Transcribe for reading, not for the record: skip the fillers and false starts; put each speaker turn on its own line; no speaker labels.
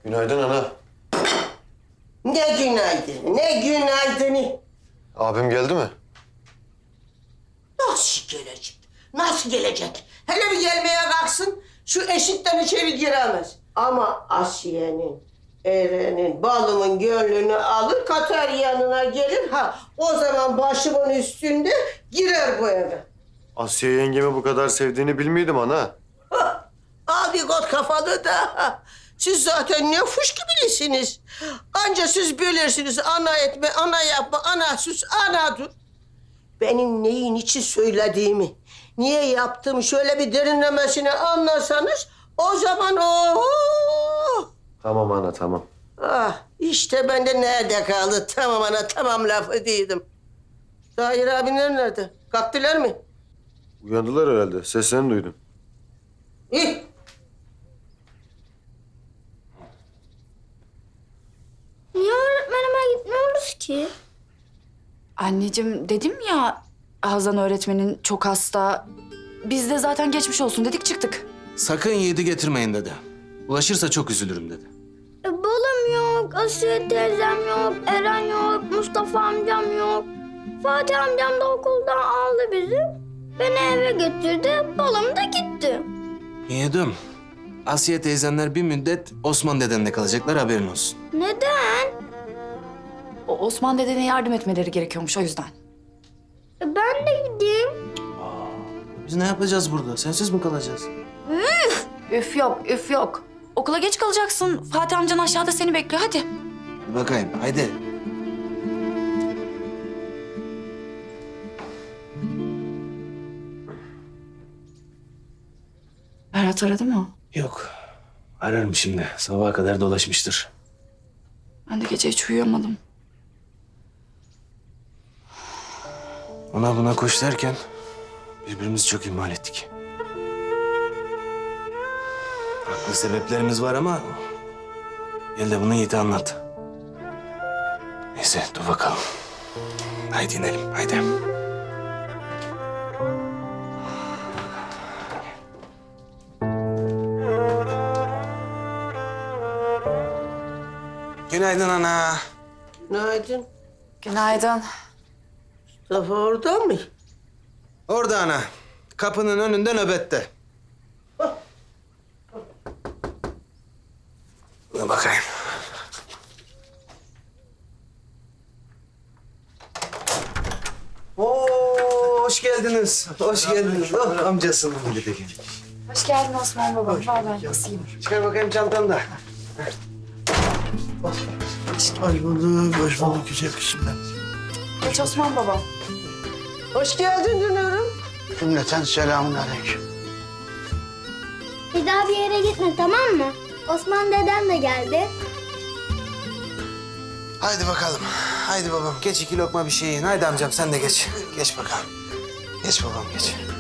Günaydın ana.
Ne günaydın, ne günaydını.
Abim geldi mi?
Nasıl gelecek? Nasıl gelecek? Hele bir gelmeye kalksın, şu eşikten içeri giremez. Ama Asiye'nin, Eren'in, balımın gönlünü alır, katar yanına gelir. Ha, o zaman başımın üstünde girer bu eve.
Asiye yengemi bu kadar sevdiğini bilmiyordum ana.
Abi got kafalı da. Siz zaten ne fuş gibilisiniz. Anca siz bilirsiniz ana etme, ana yapma, ana sus, ana dur. Benim neyin için söylediğimi, niye yaptığımı şöyle bir derinlemesine anlasanız o zaman
Tamam ana tamam.
Ah işte ben de nerede kaldı? Tamam ana tamam lafı değildim. Tahir abinler nerede? Kalktılar mı?
Uyandılar herhalde. Seslerini duydum.
İyi.
Niye öğretmenime gitmiyoruz ki?
Anneciğim dedim ya Hazan öğretmenin çok hasta. Biz de zaten geçmiş olsun dedik çıktık.
Sakın yiğidi getirmeyin dedi. Ulaşırsa çok üzülürüm dedi.
Balım yok, Asiye teyzem yok, Eren yok, Mustafa amcam yok. Fatih amcam da okuldan aldı bizi. Beni eve getirdi, balım da gitti.
Yiğidim, Asiye teyzenler bir müddet Osman dedenle kalacaklar, haberin olsun.
Neden?
O Osman dedene yardım etmeleri gerekiyormuş o yüzden.
Ben de gideyim.
Biz ne yapacağız burada? Sensiz mi kalacağız?
Üf yok, üf yok. Okula geç kalacaksın. Fatih amcan aşağıda seni bekliyor. Hadi.
Bir bakayım, haydi.
Berat aradı mı?
Yok, ararım şimdi. Sabaha kadar dolaşmıştır.
Ben de gece hiç uyuyamadım.
Ona buna koş derken birbirimizi çok ihmal ettik. Haklı sebeplerimiz var ama gel de bunu Yiğit'e anlat. Neyse dur bakalım. Haydi inelim haydi. Günaydın ana.
Günaydın.
Günaydın.
Mustafa orada mı?
Orada ana. Kapının önünde nöbette. Buna bakayım. Oo, hoş geldiniz. Hoş geldiniz. Oh, amcasının bir de gelmiş.
Hoş geldin Osman baba. Vallahi basayım.
Çıkar bakayım çantanı da.
Hoş bulduk, hoş bulduk güzel kızım ben.
Geç Osman baba.
Hoş geldin Dünür'üm.
Cümleten selamun aleyküm.
Bir daha bir yere gitme, tamam mı? Osman dedem de geldi.
Haydi bakalım. Haydi babam. Geç iki lokma bir şey yiyin. Haydi amcam sen de geç. Geç bakalım. Geç babam geç.